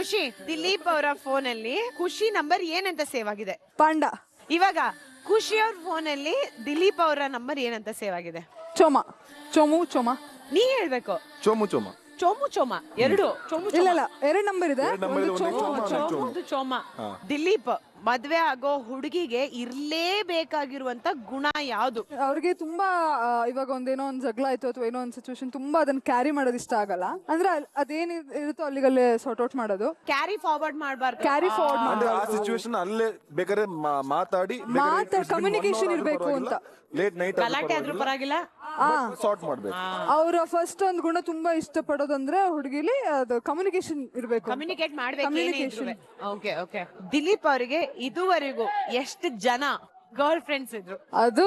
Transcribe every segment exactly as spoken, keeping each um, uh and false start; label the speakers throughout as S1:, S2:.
S1: ಖುಷಿ, ದಿಲೀಪ್ ಅವರ ಫೋನ್ ಅಲ್ಲಿ ಖುಷಿ ನಂಬರ್ ಏನಂತ ಸೇವ್ ಆಗಿದೆ?
S2: ಪಾಂಡ.
S1: ಇವಾಗ ಖುಷಿ ಅವ್ರ ಫೋನ್ ಅಲ್ಲಿ ದಿಲೀಪ್ ಅವರ ನಂಬರ್ ಏನಂತ ಸೇವ್ ಆಗಿದೆ?
S2: ಚೋಮ. ಚೋಮು ಚೋಮ.
S1: ನೀ ಹೇಳ್ಬೇಕು.
S3: ಚೋಮು ಚೋಮ.
S1: ಚೋಮು ಚೋಮ ಎರಡು ಚೋಮು
S2: ಇಲ್ಲ ಇಲ್ಲ ಎರಡು ನಂಬರ್ ಇದೆ.
S3: ಒಂದು ಚೋಮ,
S1: ಚೋಮು ಒಂದು ಚೋಮ. ದಿಲೀಪ್ ಮದ್ವೆ ಆಗೋ ಹುಡುಗಿಗೆ ಇರ್ಲೇಬೇಕಾಗಿರುವಂತ ಗುಣ ಯಾವ್ದು?
S2: ಅವ್ರಿಗೆ ತುಂಬಾ ಆ, ಇವಾಗ ಒಂದೇನೋ ಒಂದ್ ಜಗಳ ಆಯ್ತು ಅಥವಾ ಏನೋ ಒಂದ್ ಸಿಚುವೇಶನ್ ತುಂಬಾ ಅದನ್ನ ಕ್ಯಾರಿ ಮಾಡೋದು ಇಷ್ಟ ಆಗಲ್ಲ. ಅಂದ್ರೆ ಅಲ್- ಅದೇನ್ ಇರ್- ಇರುತ್ತೋ ಅಲ್ಲಿಗಲ್ಲೇ ಸಾರ್ಟ್ ಔಟ್ ಮಾಡೋದು.
S1: ಕ್ಯಾರಿ ಫಾರ್ವರ್ಡ್ ಮಾಡ್ಬಾರ್ದು.
S2: ಕ್ಯಾರಿ ಫಾರ್ವರ್ಡ್
S3: ಅಂದ್ರೆ ಆ
S2: ಮಾಡೋದು.
S3: ಸಿಚುವೇಶನ್ ಅಲ್ಲೇ ಬೇಕಾದ್ರೆ ಮಾ- ಮಾತಾಡಿ
S2: ಮಾತಾಡ್ communication ಇರ್ಬೇಕು ಅಂತ.
S3: ಲೇಟ್ ನೈಟ್
S1: ಗಲಾಟೆ ಆದ್ರೂ ಪರವಾಗಿಲ್ಲ.
S3: ಸಾರ್ಟ್ ಮಾಡ್ಬೇಕು.
S2: ಅವ್ರ ಫಸ್ಟ್ ಒಂದ್ ಗುಣ ತುಂಬಾ ಇಷ್ಟ ಪಡೋದಂದ್ರೆ ಹುಡುಗಿಲಿ ಅದು ಕಮ್ಯುನಿಕೇಶನ್ ಇರ್ಬೇಕು.
S1: ಕಮ್ಯುನಿಕೇಟ್ ಮಾಡ್ಬೇಕು.
S2: Communication.
S1: Okay okay. ದಿಲೀಪ್ ಅವರಿಗೆ ಇದುವರೆಗೂ ಎಷ್ಟು ಜನ ಗರ್ಲ್ ಫ್ರೆಂಡ್ಸ್ ಇದ್ರು?
S2: ಅದು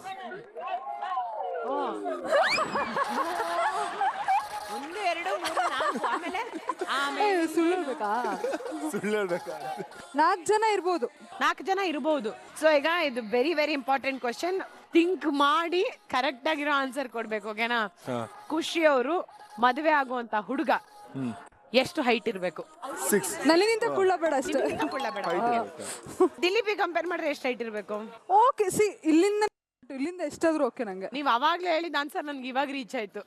S1: ಒಂದು ಎರಡು ಮೂರು ನಾಲ್ಕು ಆಮೇಲೆ ಆಮೇಲೆ
S2: ಸುಳ್ಳು ಹೇಳ್ಬೇಕಾ?
S3: ಸುಳ್ಳು ಹೇಳ್ಬೇಕಾ?
S2: ನಾಲ್ಕು ಜನ ಇರ್ಬೋದು.
S1: ನಾಲ್ಕು ಜನ ಇರಬಹುದು. ಸೊ ಈಗ ಇದು very very important question. Think ಮಾಡಿ ಕರೆಕ್ಟ್ ಆಗಿರೋ ಆನ್ಸರ್ ಕೊಡ್ಬೇಕು. ಓಕೆನಾ? ಖುಷಿ ಅವರು ಮದುವೆ ಆಗುವಂತ ಹುಡುಗ ಎಷ್ಟು ಹೈಟ್ ಇರ್ಬೇಕು?
S3: ಸಿಕ್ಸ್.
S2: ನಲ್ಲಿಗಿಂತ ಕುಳ್ಳ ಬೇಡ ಅಷ್ಟೇ.
S1: ದಿಲೀಪಿಗೆ ಕಂಪೇರ್ ಮಾಡಿದ್ರೆ ಎಷ್ಟು ಹೈಟ್ ಇರ್ಬೇಕು?
S2: ಓಕೆ ಸಿ ಇಲ್ಲಿಂದ ಇಲ್ಲಿಂದ ಎಷ್ಟಾದ್ರೂ ಓಕೆ ನಂಗೆ.
S1: ನೀವ್ ಅವಾಗ್ಲೇ ಹೇಳಿದ ಆನ್ಸರ್ ನನ್ಗೆ ಇವಾಗ ರೀಚ್ ಆಯ್ತು.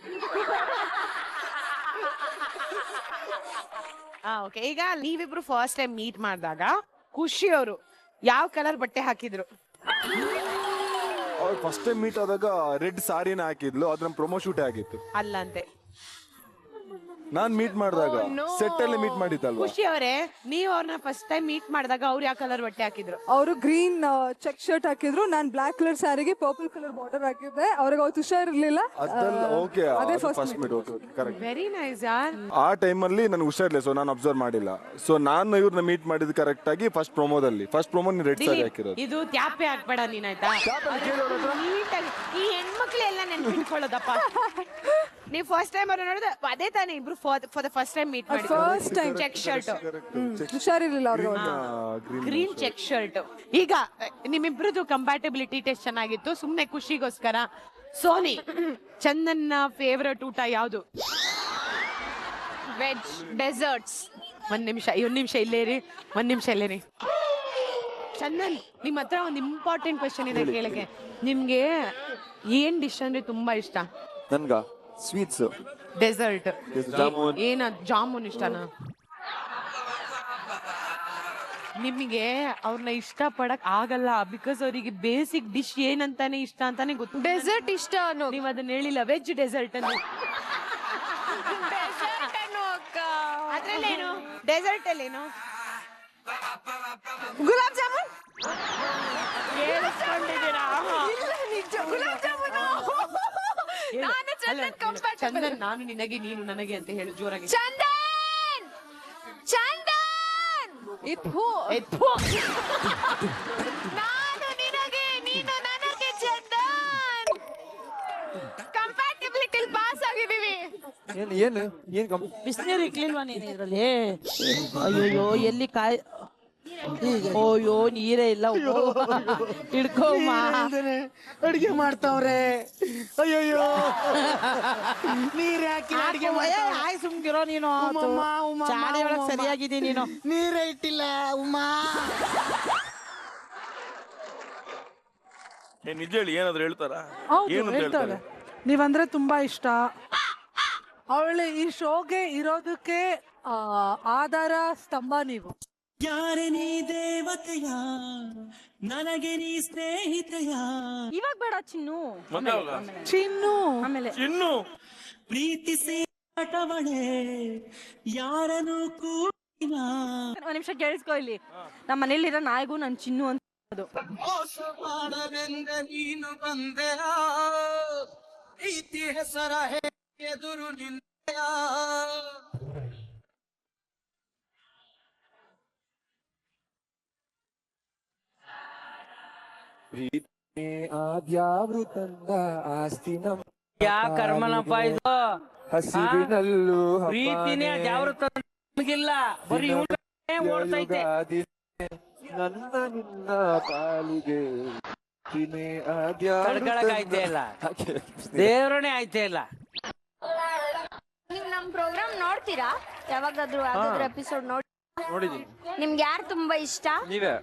S1: ಓಕೆ. ಈಗ ನೀವಿಬ್ರು ಫಸ್ಟ್ ಟೈಮ್ ಮೀಟ್ ಮಾಡಿದಾಗ ಖುಷಿ ಅವರು ಯಾವ ಕಲರ್ ಬಟ್ಟೆ ಹಾಕಿದ್ರು?
S3: ಅವ್ರು ಫಸ್ಟ್ ಟೈಮ್ ಮೀಟ್ ಆದಾಗ ರೆಡ್ ಸಾರಿನ ಹಾಕಿದ್ಲು. ಅದ್ರ ಪ್ರೊಮೋ ಶೂಟ್ ಆಗಿತ್ತು.
S1: ಅಲ್ಲಂತೆ.
S3: ನಾನ್ ಮೀಟ್ ಮಾಡಿದಾಗ ಸೆಟ್ ಅಲ್ಲಿ ಮೀಟ್ ಮಾಡಿದ್ದಲ್ವಾ?
S1: ಖುಷಿ ಅವರೇ, ನೀವ್ ಅವ್ರನ್ನ ಫಸ್ಟ್ ಟೈಮ್ ಮೀಟ್ ಮಾಡಿದಾಗ ಅವ್ರು ಯಾವ ಕಲರ್ ಬಟ್ಟೆ ಹಾಕಿದ್ರು?
S2: ಅವರು ಗ್ರೀನ್ ಚೆಕ್ ಶರ್ಟ್ ಹಾಕಿದ್ರು. ನಾನ್ ಬ್ಲಾಕ್ ಕಲರ್ ಸ್ಯಾರಿಗೆ ಪರ್ಪಲ್ ಕಲರ್ ಬಾರ್ಡರ್ ಹಾಕಿದ್ದೆ. ಅವ್ರಿಗೆ ಅವತ್ತು ಹುಷಾರಿರ್ಲಿಲ್ಲ.
S3: ಓಕೆ,
S2: ಅದೇ first
S3: first meet. Okay, correct.
S1: Very nice ಯಾರ್.
S3: ಆ ಟೈಮಲ್ಲಿ ನನಗೆ ಹುಷಾರಿಲ್ಲ, ಸೊ ನಾನು ಅಬ್ಸರ್ವ್ ಮಾಡಿಲ್ಲ. ಸೊ ನಾನು ಇವ್ರನ್ನ ಮೀಟ್ ಮಾಡಿದ್ ಕರೆಕ್ಟ್ ಆಗಿ ಫಸ್ಟ್ ಪ್ರೊಮೋದಲ್ಲಿ. ಫಸ್ಟ್ ಪ್ರೊಮೋ ರೆಡ್ ಸಾರಿ ಹಾಕಿರೋದು.
S1: ಇದು ತ್ಯಾಪೆ ಹಾಕ್ಬೇಡ ನೀನಾಯ್ತಾ? ನೀಟಾಗಿ ಈ ಹೆಣ್ಮಕ್ಳೆಲ್ಲ ನೆನ್ಪಿಟ್ಕೊಳ್ಳೋದಪ್ಪ. ನೀವು ಫಸ್ಟ್ ಟೈಮ್ ಅವ್ರು ನೋಡಿದ ಅದೇ ತಾನೇ ಇಬ್ರು for the first time meet ಮಾಡಿ.
S2: ಫಸ್ಟ್ ಟೈಮ್
S1: ಚೆಕ್ ಶರ್ಟ್,
S2: ಹುಷಾರಿರ್ಲಿಲ್ಲ ಅವ್ರಿಗೆ.
S1: Green check shirt. ಈಗ ನಿಮ್ಮಿಬ್ರದ್ದು ಕಂಪ್ಯಾಟಿಬಿಲಿಟಿ ಟೆಸ್ಟ್ ಚೆನ್ನಾಗಿತ್ತು. ಸುಮ್ನೆ ಖುಷಿಗೋಸ್ಕರ ಸೋನಿ, ಚಂದನ್ನ ಫೇವರೇಟ್ ಊಟ ಯಾವ್ದು? Veg desserts. ಒಂದ್ ನಿಮಿಷ ಒಂದ್ ನಿಮಿಷ ಇಲ್ಲೇರಿ ಒಂದ್ ನಿಮಿಷ ಇಲ್ಲೇರಿ. ಚಂದನ್, ನಿಮ್ ಹತ್ರ ಒಂದ್ ಇಂಪಾರ್ಟೆಂಟ್ ಕ್ವೆಶನ್ ಇದೆ ಕೇಳಕ್ಕೆ. ನಿಮ್ಗೆ ಏನ್ ಡಿಶ್ ಅಂದ್ರೆ ತುಂಬಾ ಇಷ್ಟ?
S3: ನನ್ಗ ಸ್ವೀಟ್ಸ್,
S1: ಡೆಸರ್ಟ್.
S3: ಜಾಮೂನ್.
S1: ಏನ ಜಾಮೂನ್ ಇಷ್ಟನಾ? ನಿಮಗೆ ಅವ್ರನ್ನ ಇಷ್ಟ ಪಡಕ್ ಆಗಲ್ಲ ಬಿಕಾಸ್ ಅವರಿಗೆ ಬೇಸಿಕ್ ಡಿಶ್ ಏನಂತಾನೆ ಇಷ್ಟ ಅಂತಾನೆ ಗೊತ್ತು.
S4: ಡೆಸರ್ಟ್ ಇಷ್ಟ ಅನ್ನೋ
S1: ನೀವ್ ಅದನ್ನ ಹೇಳಿಲ್ಲ. ವೆಜ್ ಡೆಸರ್ಟ್ ಅಂತ. ಅದ್ರಲ್ಲೇನು ಡೆಸರ್ಟ್ ಅಲ್ಲೇನು?
S2: ಗುಲಾಬ್ ಜಾಮೂನ್.
S1: ಕೇಳಿಸ್ಕೊಂಡಿದ್ದೀರಾ?
S2: ಗುಲಾಬ್ ಜಾಮೂನ್.
S1: ಚಂದನ್, ನಾನು ನಿನಗೆ ನೀನು ನನಗೆ ಅಂತ ಹೇಳು ಜೋರಾಗಿ.
S4: ಚಂದನ್ ಚಂದನ್
S1: ಎತ್ತು ಎತ್ತು.
S4: ನಾನು ನಿನಗೆ ನೀನು ನನಗೆ ಚಂದನ್ ಕಂಪ್ಯಾಟಿಬಿಲಿಟಿ ಪಾಸ್ ಆಗಿದೀವಿ.
S5: ಏನು ಏನು ಏನು
S6: ಬಿಸಿನೀರು ಇಕ್ಲಿಲ್ವಾ ನೀನು ಇದ್ರಲ್ಲಿ? ಅಯ್ಯೋಯ್ಯೋ, ಎಲ್ಲಿ ಕಾಯ್ ಓಯ್ಯೋ ನೀರೇ ಇಲ್ಲ. ಹಿಡ್ಕೋಮ್ಮ,
S5: ಅಡಿಗೆ ಮಾಡ್ತಾವ್ರೆ. ಅಯ್ಯಯ್ಯೋ, ನೀರ್ ಹಾಕಿ ಅಡಿಗೆ
S6: ಆಯ್ ಸುಮ್ಗಿರೋ ನೀನು. ಚಾಡಿ ಒಳಗ್ ಸರಿಯಾಗಿದ್ದೀನಿ ನೀನು.
S5: ನೀರೇ ಇಟ್ಟಿಲ್ಲ ಉಮ್ಮಾ.
S3: ನಿಜ ಹೇಳಿ, ಏನಾದ್ರು ಹೇಳ್ತಾರ?
S7: ಹೌದು ಹೇಳ್ತಾರೆ. ನೀವಂದ್ರೆ ತುಂಬಾ ಇಷ್ಟ. ಅವಳು ಈ ಶೋಗೆ ಇರೋದಕ್ಕೆ ಆ, ಆಧಾರ ಸ್ತಂಭ ನೀವು.
S8: ಯಾರೆ ನೀ ದೇವತೆಯ, ನನಗೆ ನೀ ಸ್ನೇಹಿತೆಯ.
S4: ಇವಾಗ ಬೇಡ ಚಿನ್ನು.
S7: ಚಿನ್ನು
S4: ಆಮೇಲೆ
S3: ಇನ್ನು
S8: ಪ್ರೀತಿಸಿ ಆಟವಳೆ ಯಾರನ್ನು ಕೂಡಿನ.
S4: ಒಂದ್ ನಿಮಿಷ ಕೇಳಿಸ್ಕೊ. ಇಲ್ಲಿ ನಮ್ಮ ಮನೇಲಿರೋ ನಾಯಿಗೂ ನನ್ ಚಿನ್ನು ಅಂತ
S8: ಮೋಸ ಮಾಡಲೆಂದ ನೀನು ಬಂದೆಯ, ಪ್ರೀತಿ ಹೆಸರ ಎದುರು ನಿಂದೆಯ.
S5: ಪ್ರೀತಿ ಆದ್ಯಾವ್ರು ತಂದ ಆಸ್ತಿ ನಮ್ಮ
S6: ಯಾ ಕರ್ಮನಪ್ಪ ಇದು?
S5: ಹಸಿವಿನಲ್ಲೂ
S6: ಪ್ರೀತಿನೇ ಯಾವ್ರು ತಂದಿಲ್ಲ, ಬರೀ ಇವ್ನೇ ಓಡ್ತೈತೆ.
S5: ನನ್ನ ನಿನ್ನ ಪಾಲಿಗೆ
S6: ತಡ್ಕೊಳಕ್ ಆಯ್ತೇ ಇಲ್ಲ, ದೇವ್ರನೇ ಆಯ್ತೇ ಇಲ್ಲ.
S4: ನಿಮ್ ನಮ್ಮ
S9: ನಮ್ ಪ್ರೋಗ್ರಾಮ್ ನೋಡ್ತೀರಾ? ಯಾವಾಗಾದ್ರೂ ಯಾವ್ದಾದ್ರು ಎಪಿಸೋಡ್ ನೋಡಿ
S5: ನೋಡಿದೀನಿ.
S9: ನಿಮ್ಗೆ ಯಾರು ತುಂಬಾ ಇಷ್ಟ?
S5: ನೀವೇ.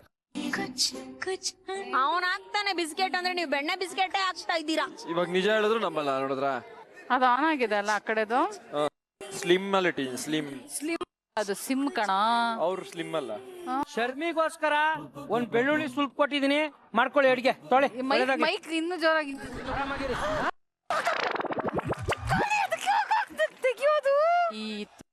S9: ಅವನ್ ಹಾಕ್ತಾನೆ ಬಿಸ್ಕೆಟ್ ಅಂದ್ರೆ ನೀವು ಬೆಣ್ಣೆ ಬಿಸ್ಕೆಟೇ ಹಾಕ್ತಾ ಇದ್ದೀರಾ.
S5: ಇವಾಗ ನಿಜ ಹೇಳಿದ್ರು ನಮ್ಮಲ್ಲ ನೋಡಿದ್ರ.
S1: ಅದು ಆನ್ ಆಗಿದೆ ಅಲ್ಲ ಆ ಕಡೆದು.
S5: ಸ್ಲಿಮ್ ಅಲ್ಲಿ ಇಟ್ಟಿದ್ದೀನಿ. ಸ್ಲಿಮ್
S1: ಸ್ಲಿಮ್ ಅದು ಸಿಮ್ ಕಣ.
S5: ಅವ್ರು ಸ್ಲಿಮ್ ಅಲ್ಲ.
S6: ಶರ್ಮಿಗೋಸ್ಕರ ಒಂದ್ ಬೆಳ್ಳುಳ್ಳಿ ಸುಲ್ಪ್ ಕೊಟ್ಟಿದೀನಿ, ಮಾಡ್ಕೊಳ್ಳಿ ಅಡಿಗೆ. ತೊಳೆ
S1: ಮೈಕ್ ಇನ್ನು ಜೋರಾಗಿ ಈ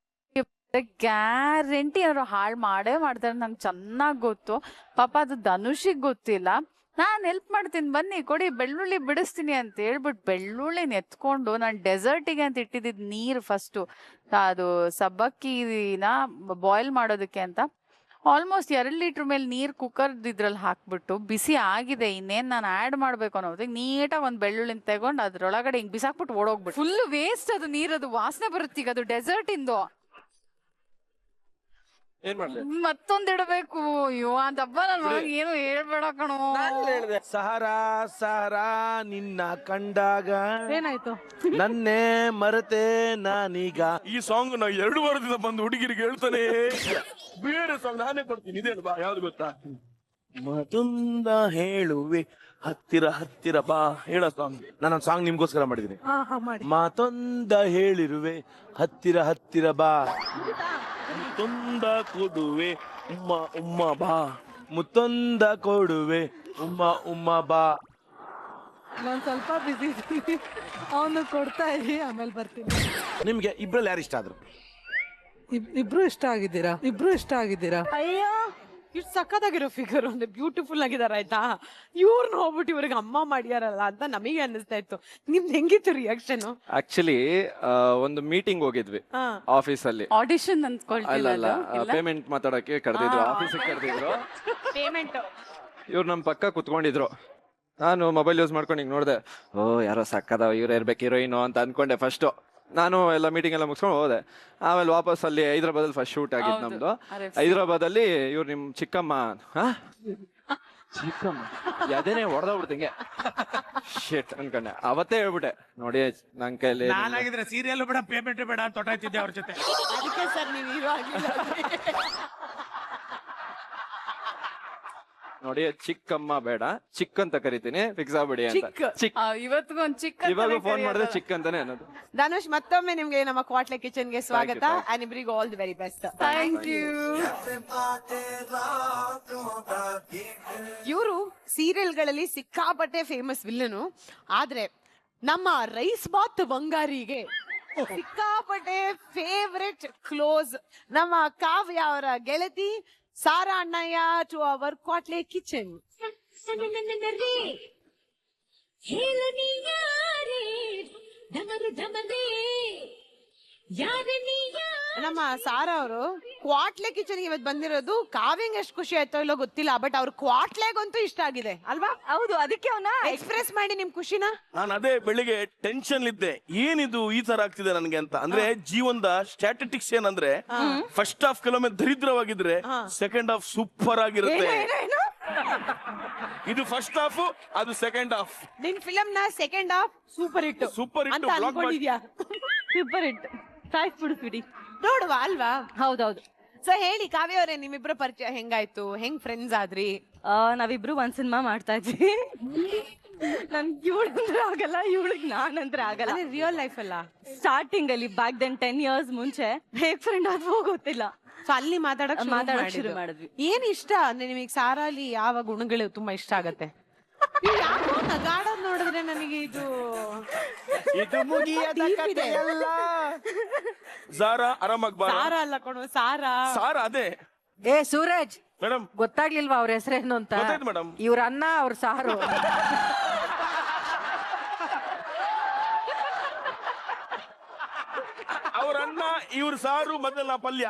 S1: ಗ್ಯಾರಂಟಿ ಅವ್ರು ಹಾಳು ಮಾಡೇ ಮಾಡ್ತಾರೆ. ನಂಗೆ ಚೆನ್ನಾಗ್ ಗೊತ್ತು. ಪಾಪ ಅದು ಧನುಷಿಗ್ ಗೊತ್ತಿಲ್ಲ. ನಾನ್ ಹೆಲ್ಪ್ ಮಾಡ್ತೀನಿ ಬನ್ನಿ ಕೊಡಿ ಬೆಳ್ಳುಳ್ಳಿ ಬಿಡಿಸ್ತೀನಿ ಅಂತ ಹೇಳ್ಬಿಟ್ಟು ಬೆಳ್ಳುಳ್ಳಿನ ಎತ್ಕೊಂಡು ನಾನು ಡೆಸರ್ಟಿಗೆ ಅಂತ ಇಟ್ಟಿದ್ದಿದ್ ನೀರು ಫಸ್ಟು ಅದು ಸಬ್ಬಕ್ಕಿನ ಬಾಯ್ಲ್ ಮಾಡೋದಕ್ಕೆ ಅಂತ ಆಲ್ಮೋಸ್ಟ್ ಎರಡು ಲೀಟ್ರ್ ಮೇಲೆ ನೀರು ಕುಕ್ಕರ್ ಇದ್ರಲ್ಲಿ ಹಾಕ್ಬಿಟ್ಟು ಬಿಸಿ ಆಗಿದೆ, ಇನ್ನೇನು ನಾನು ಆ್ಯಡ್ ಮಾಡಬೇಕು ಅನ್ನೋದಕ್ಕೆ ನೀಟಾಗಿ ಒಂದು ಬೆಳ್ಳುಳ್ಳಿನ ತಗೊಂಡು ಅದ್ರೊಳಗಡೆ ಹಿಂಗೆ ಬಿಸಾಕ್ಬಿಟ್ಟು ಓಡೋಗ್ಬಿಟ್ಟು ಫುಲ್ ವೇಸ್ಟ್ ಅದು ನೀರದು ವಾಸನೆ ಬರುತ್ತೆ. ಈಗ ಅದು ಡೆಸರ್ಟ್ ಇಂದು
S5: ಏನ್ ಮಾಡ್ಲಿ
S1: ಮತ್ತೊಂದ್ ಇಡಬೇಕು. ಅಯ್ಯೋ ಅಂತ ಹಬ್ಬ ನನ್ ಮಗ ಏನು ಹೇಳ್ಬೇಡ ಕಣೋ.
S10: ಸಹರಾ ಸಹರಾ ನಿನ್ನ ಕಂಡಾಗ
S7: ಏನಾಯ್ತು?
S10: ನನ್ನೇ ಮರೆತೆ ನಾನೀಗ.
S3: ಈ ಸಾಂಗ್ ನಾವು ಎರಡು ವಾರದಿಂದ ಬಂದು ಹುಡುಗಿರಿಗೆ ಹೇಳ್ತಾನೆ. ಬೇರೆ ಸಾಂಗ್ ನಾನೇ ಕೊಡ್ತೀನಿ. ಇದೇನು ಬಾ, ಯಾವ್ದು ಗೊತ್ತಾ? ಮತ್ತೊಂದ ಹೇಳುವೆ ಹತ್ತಿರ ಹತ್ತಿರ ಬಾ ಹೇಳೋ ಸಾಂಗ್. ನಾನು ಸಾಂಗ್ ನಿಮ್ಗೋಸ್ಕರ ಮಾಡಿದೀನಿ. ಮಾತೊಂದ ಹೇಳಿರುವೆ ಹತ್ತಿರ ಹತ್ತಿರ ಬಾ, ಮುತ್ತೊಂದ ಕೊಡುವೆ ಉಮ್ಮ ಉಮ್ಮ ಬಾ, ಮುತ್ತೊಂದ ಕೊಡುವೆ ಉಮ್ಮ ಉಮ್ಮ ಬಾ.
S7: ನಾನ್ ಸ್ವಲ್ಪ ಬಿಸಿ ಇದ್ದೀನಿ, ಅವನು ಕೊಡ್ತಾ ಇದೀನಿ, ಆಮೇಲೆ ಬರ್ತೀನಿ.
S10: ನಿಮ್ಗೆ ಇಬ್ರಲ್ಲಿ ಯಾರು ಇಷ್ಟ ಆದ್ರು?
S7: ಇಬ್- ಇಬ್ರು ಇಷ್ಟ ಆಗಿದ್ದೀರಾ? ಇಬ್ರು ಇಷ್ಟ ಆಗಿದ್ದೀರಾ?
S1: ಅಯ್ಯೋ ಇಷ್ಟು ಸಖತ್ತಾಗಿರೋ ಫಿಗರ್, ಒಂದು ಬ್ಯೂಟಿಫುಲ್ ಆಗಿದಾರ ಆಯ್ತಾ. ಇವ್ರನ್ನ ಹೋಗ್ಬಿಟ್ಟು ಇವ್ರಿಗೆ ಅಮ್ಮ ಮಾಡ್ಯಾರಲ್ಲ ಅಂತ ನಮಗೆ ಅನ್ನಿಸ್ತಾ ಇತ್ತು. ನಿಮ್ದು ಹೆಂಗಿತ್ತು ರಿಯಾಕ್ಷನ್?
S5: ಆಕ್ಚುಲಿ ಒಂದು ಮೀಟಿಂಗ್ ಹೋಗಿದ್ವಿ ಆಫೀಸ್ ಅಲ್ಲಿ.
S1: ಆಡಿಷನ್
S5: ಅಲ್ಲ ಅಲ್ಲ ಪೇಮೆಂಟ್ ಮಾತಾಡಕ್ಕೆ ಕರೆದಿದ್ರು, ಆಫೀಸಿಗೆ ಕರೆದಿದ್ರು.
S1: ಪೇಮೆಂಟ್
S5: ಇವ್ರು ನಮ್ಮ ಪಕ್ಕ ಕುತ್ಕೊಂಡಿದ್ರು. ನಾನು ಮೊಬೈಲ್ ಯೂಸ್ ಮಾಡ್ಕೊಂಡು ಹಿಂಗೆ ನೋಡಿದೆ, ಓ ಯಾರೋ ಸಕ್ಕದ ಇವ್ರು ಇರ್ಬೇಕು ಹೀರೋಯಿನು ಅಂತ ಅನ್ಕೊಂಡೆ ಫಸ್ಟು. ನಾನು ಎಲ್ಲ ಮೀಟಿಂಗ್ ಎಲ್ಲ ಮುಗಿಸ್ಕೊಂಡು ಹೋದೆ. ಆಮೇಲೆ ವಾಪಸ್ ಅಲ್ಲಿ ಹೈದ್ರಾಬಾದಲ್ಲಿ ಫಸ್ಟ್ ಶೂಟ್ ಆಗಿದ್ದು ನಮ್ದು. ಹೈದ್ರಾಬಾದಲ್ಲಿ ಇವ್ರು ನಿಮ್ ಚಿಕ್ಕಮ್ಮ ಚಿಕ್ಕಮ್ಮ ಯಾವ್ದೇನೆ ಹೊಡೆದೋಗ್ಬಿಡ್ತಿಂಗೆ ಶೇಟ್ ಅನ್ಕೊಂಡೆ. ಅವತ್ತೇ ಹೇಳ್ಬಿಟ್ಟೆ ನೋಡಿ ನನ್ ಕೈಲಿ
S6: ನಾನಾಗಿದ್ರೆ ಸೀರಿಯಲ್ ಬೇಡ ಪೇಮೆಂಟ್ ಬೇಡ ಅಂತ ತೊಟಾಯ್ತಿದ್ದೆ ಅವ್ರ ಜೊತೆ.
S1: ಅದಕ್ಕೆ ಸರ್ ನೀವು ಹೀರೋ ಆಗಿಲ್ಲ.
S5: ನೋಡಿ ಚಿಕ್ಕಮ್ಮ ಬೇಡ ಚಿಕ್ಕ ಅಂತ ಕರಿತೀನಿ, ಫಿಕ್ಸ್ ಆಗ್ಬಿಡಿ ಅಂತ. ಚಿಕ್ಕ
S1: ಇವತ್ತಿಗೂ ಒಂದು ಚಿಕ್ಕ
S5: ಇವಾಗ ಫೋನ್ ಮಾಡಿದ್ರೆ ಚಿಕ್ಕ ಅಂತಾನೆ ಅನ್ನೋದು.
S1: ಧನುಷ್, ಮತ್ತೊಮ್ಮೆ ನಿಮ್ಗೆ ನಮ್ಮ ಕ್ವಾಟ್ಲೆ ಕಿಚನ್ ಗೆ ಸ್ವಾಗತ. ಅಂಡ್ ಇಬ್ರಿಗೂ all the very best. Thank you. ಇವರು ಸೀರಿಯಲ್ಗಳಲ್ಲಿ ಸಿಕ್ಕಾಪಟ್ಟೆ ಫೇಮಸ್ ವಿಲ್ಲನು, ಆದ್ರೆ ನಮ್ಮ ರೈಸ್ ಬಾತ್ ಬಂಗಾರಿಗೆ ಸಿಕ್ಕಾಪಟ್ಟೆ ಫೇವ್ರೆಟ್ ಕ್ಲೋಸ್ ನಮ್ಮ ಕಾವ್ಯ ಅವರ ಗೆಳತಿ Sara Annayya to our Kwatle kitchen. ನಮ್ಮ ಸಾರಾ ಅವರು ಕ್ವಾಟ್ಲೆ ಕಿಚನ್ ಇವತ್ತು ಬಂದಿರೋದು ಕಾವ್ಯಂಗೆ ಎಷ್ಟು ಖುಷಿ ಆಯ್ತೋ ಇಲ್ಲೋ ಗೊತ್ತಿಲ್ಲ, ಬಟ್ ಅವ್ರ ಕ್ವಾಟ್ಲೆಗಂತೂ ಇಷ್ಟ ಆಗಿದೆ ಅಲ್ವಾ?
S4: ಹೌದು, ಅದಕ್ಕೆ ಅವನ
S1: ಎಕ್ಸ್ಪ್ರೆಸ್ ಮಾಡಿ ನಿಮ್ ಖುಷಿನ.
S10: ನಾನು ಅದೇ ಬೆಳಿಗ್ಗೆ ಟೆನ್ಷನ್ ಇದ್ದೆ, ಏನಿದು ಈ ತರ ಆಗ್ತಿದೆ ನನಗೆ ಅಂತ. ಅಂದ್ರೆ ಜೀವನದ ಸ್ಟ್ಯಾಟಿಸ್ಟಿಕ್ಸ್ ಏನಂದ್ರೆ ಫಸ್ಟ್ ಹಾಫ್ ಕೆಲವೊಮ್ಮೆ ದರಿದ್ರವಾಗಿದ್ರೆ ಸೆಕೆಂಡ್ ಹಾಫ್ ಸೂಪರ್ ಆಗಿರುತ್ತೆ. ಇದು ಫಸ್ಟ್ ಹಾಫ್, ಅದು ಸೆಕೆಂಡ್ ಹಾಫ್.
S1: ನಿನ್ ಫಿಲಂ ನ second half super hit
S10: super hit
S1: ಅಂತ ಅನ್ಕೊಂಡಿದ್ಯಾ?
S4: ಸೂಪರ್ ಹಿಟ್ ಸಾಯಿಸ್ಬಿಡ್ತೀವಿ
S1: ನೋಡುವ ಅಲ್ವಾ?
S4: ಹೌದೌದು.
S1: ಸೊ ಹೇಳಿ ಕಾವ್ಯ ಅವರೇ, ನಿಮ್ಮಿಬ್ಬರ ಪರಿಚಯ ಹೆಂಗಾಯ್ತು? ಹೆಂಗ್ ಫ್ರೆಂಡ್ಸ್ ಆದ್ರಿ?
S4: ನಾವಿಬ್ರು ಒಂದ್ ಸಿನಿಮಾ ಮಾಡ್ತಾ ಇದ್ವಿ. ನನ್ ಇವಳಂದ್ರೆ ಆಗಲ್ಲ, ಇವಳಿಗ್ ನಾನಂದ್ರೆ ಆಗಲ್ಲ.
S1: ರಿಯಲ್ ಲೈಫ್ ಅಲ್ಲ,
S4: ಸ್ಟಾರ್ಟಿಂಗ್ ಅಲ್ಲಿ ಬ್ಯಾಕ್ ದೆನ್ ಟೆನ್ ಇಯರ್ಸ್ ಮುಂಚೆ ಹೇಗ್ ಫ್ರೆಂಡ್ ಆದ್ವೋ ಗೊತ್ತಿಲ್ಲ.
S1: ಸೊ ಅಲ್ಲಿ ಮಾತಾಡಕ್
S4: ಮಾತಾಡಕ್ ಶುರು ಮಾಡಿದ್ವಿ.
S1: ಏನ್ ಇಷ್ಟ ಅಂದ್ರೆ ನಿಮಗೆ ಸಾರಾಲಿ ಯಾವ ಗುಣಗಳು ತುಂಬಾ ಇಷ್ಟ ಆಗತ್ತೆ? ಯಾಕೋ ನಗಾಡೋದ್ ನೋಡಿದ್ರೆ ನನಗೆ ಇದು
S10: ಇದು ಮುಗಿಯದ ಕಥೆಯಲ್ಲ. ಸಾರಾ ಆರಾಮಾಗಿ ಬಾ.
S1: ಸಾರಾ ಅಲ್ಲ ಕಣೋ, ಸಾರಾ
S10: ಸಾರಾ ಅದೇ.
S6: ಏ ಸೂರಜ್,
S10: ಮೇಡಮ್
S6: ಗೊತ್ತಾಗ್ಲಿಲ್ವಾ ಅವ್ರ ಹೆಸರೇನು ಅಂತ?
S10: ಗೊತ್ತಾಯ್ತು ಮೇಡಮ್.
S6: ಇವ್ರ ಅನ್ನ ಅವ್ರ ಸಾರು.
S10: ಅವ್ರ ಅನ್ನ ಇವ್ರ ಸಾರು ಮೊದಲ ಪಲ್ಯ.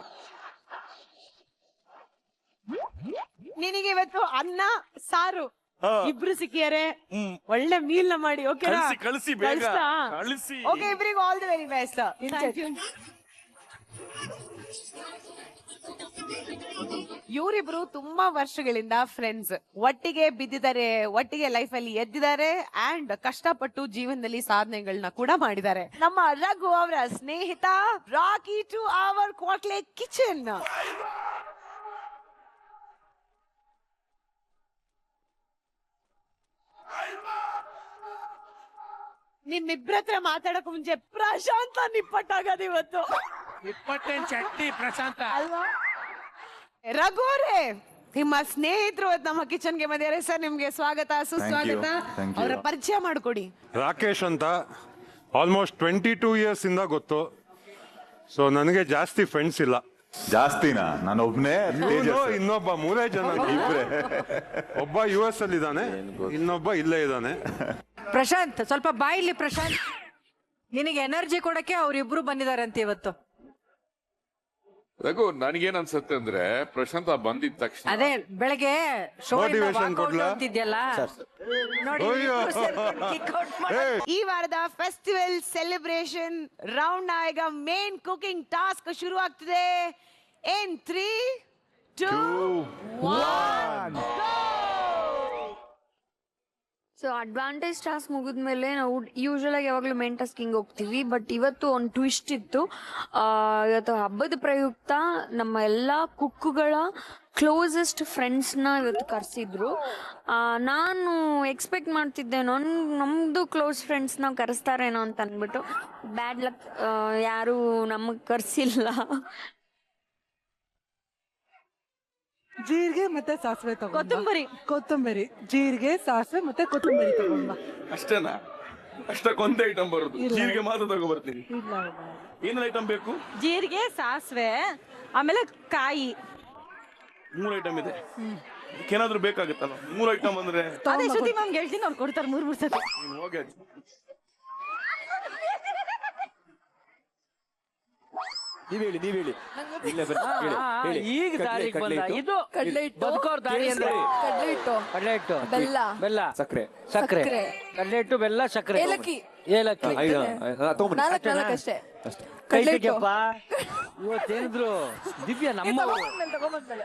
S1: ನಿನಗೆ ಇವತ್ತು ಅನ್ನ ಸಾರು
S10: ಹಾ.
S1: ಇಬ್ರು ಸಿಕ್ಕಿಯಾರೆ,
S10: ಹ್ಮ್.
S1: ಒಳ್ಳೆ ಮೀಲ್ ನ ಮಾಡಿ. ಓಕೆ
S10: ಕಳಿಸಿ ಕಳಿಸಿ ಬೇಗ ಕಳಿಸಿ.
S1: ಓಕೆ, ಇಬ್ರಿಗೂ all the very best. Thank you. ಇವರಿಬ್ರು ತುಂಬಾ ವರ್ಷಗಳಿಂದ ಫ್ರೆಂಡ್ಸ್, ಒಟ್ಟಿಗೆ ಬಿದ್ದಿದ್ದಾರೆ, ಒಟ್ಟಿಗೆ ಲೈಫ್ ಅಲ್ಲಿ ಎದ್ದಿದ್ದಾರೆ ಅಂಡ್ ಕಷ್ಟಪಟ್ಟು ಜೀವನದಲ್ಲಿ ಸಾಧನೆಗಳನ್ನ ಕೂಡ ಮಾಡಿದ್ದಾರೆ. ನಮ್ಮ ರಘು ಅವರ ಸ್ನೇಹಿತ rakhi to our Kwatle kitchen. ನಿಮ್ಮಿಬ್ರ ಹತ್ರ ಮಾತಾಡಕ್ ಮುಂಚೆ ಪ್ರಶಾಂತ ನಿಪ್ಪಟ್ಟಾಗದ ಇವತ್ತು.
S6: ಇಪ್ಪತ್ತೆಂಟು ಚಟ್ನಿ ಪ್ರಶಾಂತ
S1: ಅಲ್ವಾ? ರಘು ಅವರೇ, ನಿಮ್ಮ ಸ್ನೇಹಿತರು ನಮ್ಮ ಕಿಚನ್ಗೆ ಬಂದಿದ್ದಾರೆ. ಸರ್ ನಿಮ್ಗೆ ಸ್ವಾಗತ, ಸುಸ್ವಾಗತ. ಅವರ ಪರಿಚಯ ಮಾಡ್ಕೊಡಿ.
S11: ರಾಕೇಶ್ ಅಂತ, ಆಲ್ಮೋಸ್ಟ್ ಟ್ವೆಂಟಿ ಟೂ ಇಯರ್ಸ್ ಇಂದ ಗೊತ್ತು. ಸೊ ನನಗೆ ಜಾಸ್ತಿ ಫ್ರೆಂಡ್ಸ್ ಇಲ್ಲ.
S12: ಜಾಸ್ತಿನಾ? ನಾನು ಒಬ್ನೇ,
S11: ಇನ್ನೊಬ್ಬ ಮೂರೇ ಜನ ಇಬ್ರೆ. ಒಬ್ಬ ಯು ಎಸ್ ಅಲ್ಲಿ ಇದ್ದಾನೆ, ಇನ್ನೊಬ್ಬ ಇಲ್ಲೇ ಇದ್ದಾನೆ.
S13: ಪ್ರಶಾಂತ್, ಸ್ವಲ್ಪ ಬಾಯಿಲಿ ಪ್ರಶಾಂತ್. ನಿನಗೆ ಎನರ್ಜಿ ಕೊಡಕ್ಕೆ ಅವ್ರಿಬ್ರು ಬಂದಿದ್ದಾರೆ ಅಂತ ಇವತ್ತು.
S14: ರಘು, ನನಗೇನ್ ಅನ್ಸುತ್ತೆ ಅಂದ್ರೆ ಪ್ರಶಾಂತ ಬಂದಿದ ತಕ್ಷಣ
S13: ಅದೇ ಬೆಳಗ್ಗೆ ಶೋ
S11: Motivation ಕೊಡ್ಲಾ?
S13: ಅಂತಿದ್ಯಲ್ಲ ನೋಡಿ,
S11: ಅಯ್ಯೋ.
S13: ಇಬ್ರು ಸೇರ್ಕೊಂಡು kick out ಮಾಡಿ-
S1: ಈ ವಾರದ ಫೆಸ್ಟಿವಲ್ ಸೆಲೆಬ್ರೇಷನ್ ರೌಂಡ್ ಈಗ ಮೇನ್ ಕುಕಿಂಗ್ ಟಾಸ್ಕ್ ಶುರು ಆಗ್ತಿದೆ. In three two one.
S9: So advantage task ಮುಗಿದ್ಮೇಲೆ ನಾವು ಯೂಶಲ್ ಆಗಿ ಯಾವಾಗಲೂ ಮೇನ್ ಟಾಸ್ಕಿಂಗ್ ಹೋಗ್ತೀವಿ. ಬಟ್ ಇವತ್ತು ಒಂದು ಟ್ವಿಸ್ಟ್ ಇತ್ತು. ಆ, ಇವತ್ತು ಹಬ್ಬದ ಪ್ರಯುಕ್ತ ನಮ್ಮ ಎಲ್ಲ ಕುಕ್ಕುಗಳ ಕ್ಲೋಸೆಸ್ಟ್ ಫ್ರೆಂಡ್ಸ್ನ ಇವತ್ತು ಕರೆಸಿದ್ರು. ನಾನು ಎಕ್ಸ್ಪೆಕ್ಟ್ ಮಾಡ್ತಿದ್ದೆ ನನ್ ನಮ್ಮದು ಕ್ಲೋಸ್ ಫ್ರೆಂಡ್ಸ್ನ ಕರೆಸ್ತಾರೇನೋ ಅಂತ ಅಂದ್ಬಿಟ್ಟು. ಬ್ಯಾಡ್ ಲಕ್, ಯಾರು ನಮಗೆ ಕರೆಸಿಲ್ಲ.
S7: ಜೀರಿಗೆ ಮತ್ತೆ ಸಾಸಿವೆ ತಗೊಂಡ್ ಬಾ.
S4: ಕೊತ್ತಂಬರಿ.
S7: ಕೊತ್ತಂಬರಿ, ಜೀರಿಗೆ, ಸಾಸಿವೆ ಮತ್ತೆ ಕೊತ್ತಂಬರಿ ತಗೊಂಡ್ ಬಾ.
S10: ಅಷ್ಟೇನಾ? ಅಷ್ಟಕ್ಕೊಂದೇ ಐಟಮ್ ಬರುದು? ಜೀರಿಗೆ ಮಾತ್ರ ತಗೊಬರ್ತೀನಿ.
S7: ಇಲ್ಲ
S10: ಏನೇನು ಐಟಮ್ ಬೇಕು?
S4: ಜೀರಿಗೆ, ಸಾಸಿವೆ, ಆಮೇಲೆ ಕಾಯಿ.
S10: ಮೂರು ಐಟಮ್ ಇದೆ. ಏನಾದ್ರೂ ಬೇಕಾಗುತ್ತಲ್ಲ? ಮೂರು ಐಟಮ್ ಅಂದ್ರೆ
S4: ಅದೇ ಶ್ರುತಿ ಮ್ಯಾಮ್ ಹೇಳ್ತೀನಿ, ಅವ್ರು ಕೊಡ್ತಾರೆ ಮೂರ್ ಮೂರ್ ಸತಿ.
S10: ನೀನು ಹೋಗಿ ಅಜ್ಜಿ.
S3: ನೀವ್ ಹೇಳಿ, ನೀವ್ ಹೇಳಿ. ಇಲ್ಲೇ ಬರ್ರಿ,
S6: ಆ,
S3: ಹೇಳಿ,
S6: ಆ,
S3: ಹೇಳಿ.
S6: ಈಗ
S3: ಕಡ್ಲೆ-
S6: ದಾರಿಗೆ
S3: ಕಡ್ಲೆ
S6: ಬಂದ
S3: ಹಿಟ್ಟು.
S6: ಇದು
S2: ಕಡ್ಲೆ ಹಿಟ್ಟು,
S6: ಬದುಕೋರ್ ದಾರಿ ಅಂದ್ರೆ
S2: ಕಡ್ಲೆ ಹಿಟ್ಟು,
S6: ಕಡಲೆ ಹಿಟ್ಟು,
S2: ಬೆಲ್ಲ,
S6: ಬೆಲ್ಲ,
S3: ಸಕ್ಕರೆ,
S6: ಸಕ್ಕರೆ,
S2: ಸಕ್ಕರೆ,
S6: ಕಡಲೆ ಹಿಟ್ಟು, ಬೆಲ್ಲ, ಸಕ್ಕರೆ,
S2: ಏಲಕ್ಕಿ.
S6: ಏಲಕ್ಕಿ.
S3: ಐದು, ಆ, ತಗೊಂಬನ್ನಿ.
S2: ನಾಲ್ಕು ನಾಲ್ಕು ಅಷ್ಟೇ.
S3: ಅಷ್ಟೇ.
S6: ಕೈ
S2: ಕಡ್ಲೆ ಹಿಟ್ಟು.
S6: ತೆಗಿಯಪ್ಪ, ಇವತ್ತೇನಿದ್ರು ದಿವ್ಯ ನಮ್ಮ
S2: ತಗೊಂಬಂದ್ಮೇಲೆ ತಗೊಂಬಂದ್ಮೇಲೆ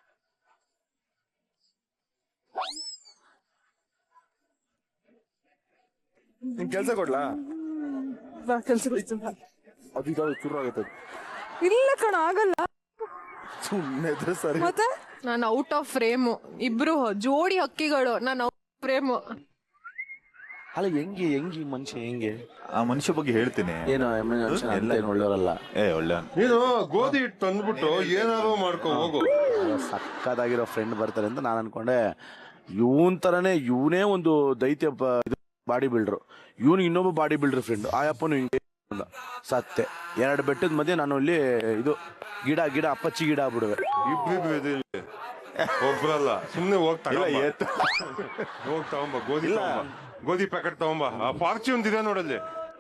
S3: ನಿನ್ ಕೆಲ್ಸ ಕೊಡ್ಲಾ?
S2: ಕೆಲಸ
S3: ಅದು ಇದಾವೆ, ಚೂರು ಆಗುತ್ತೆ.
S2: ಇಲ್ಲ ಕಣ, ಆಗಲ್ಲ.
S3: ಸುಮ್ಮನೆ ಇದ್ರೆ ಸರಿ.
S2: ಮತ್ತೆ ನಾನು ಔಟ್ ಆಫ್ ಫ್ರೇಮು. ಇಬ್ರು ಜೋಡಿ ಹಕ್ಕಿಗಳು, ನಾನು ಔಟ್ ಆಫ್ ಫ್ರೇಮು.
S3: ಅಲ್ಲ, ಹೆಂಗೆ ಹೆಂಗೆ ಮನುಷ್ಯ ಹೆಂಗೆ?
S12: ಆ ಮನುಷ್ಯ ಬಗ್ಗೆ ಹೇಳ್ತೀನಿ.
S3: ಏನೋ ಎಲ್ಲ ಏನು ಒಳ್ಳೆಯವರಲ್ಲ.
S12: ಏ ಒಳ್ಳೆ
S11: ನೀನು ಗೋಧಿ ಹಿಟ್ಟು ತಂದ್ಬಿಟ್ಟು ಏನಾದ್ರು ಮಾಡ್ಕೊ ಹೋಗು.
S3: ಸಕ್ಕದಾಗಿರೋ ಫ್ರೆಂಡ್ ಬರ್ತಾರೆ ಅಂತ ನಾನು ಅನ್ಕೊಂಡೆ. ಇವನ್ ತರನೇ ಇವನೇ ಒಂದು ದೈತ್ಯ ಬ- ಇದು ಬಾಡಿ ಬಿಲ್ಡರ್. ಇವನು ಇನ್ನೊಬ್ಬ ಬಾಡಿ ಬಿಲ್ಡರ್ ಫ್ರೆಂಡ್. ಆಯಪ್ಪನು ಹಿಂಗೆ ಅಂದ. ಸತ್ತೆ. ಎರಡು ಬೆಟ್ಟದ ಮಧ್ಯೆ ನಾನು ಅಲ್ಲಿ ಇದು ಗಿಡ ಗಿಡ ಅಪ್ಪಚ್ಚಿ ಗಿಡ ಆಗ್ಬಿಡುವೆ.
S11: ಇಬ್ರಿಬ್ರು ಇದೆ ಇಲ್ಲಿ. ಒಬ್ರಲ್ಲ, ಸುಮ್ನೆ ಹೋಗ್
S3: ಇಲ್ಲ,
S11: ತಗೊಂಬ.
S3: ಎತ್ತು.
S11: ಹೋಗ್ ತಗೊಂಬ ಗೋಧಿ
S3: ಇಲ್ಲ.
S11: ತಗೊಂಬ. ಗೋಧಿ ಪ್ಯಾಕೆಟ್ ತಗೊಂಬ. ಆ ಫಾರ್ಚೂನ್ ಇದೆ ನೋಡಲ್ಲಿ.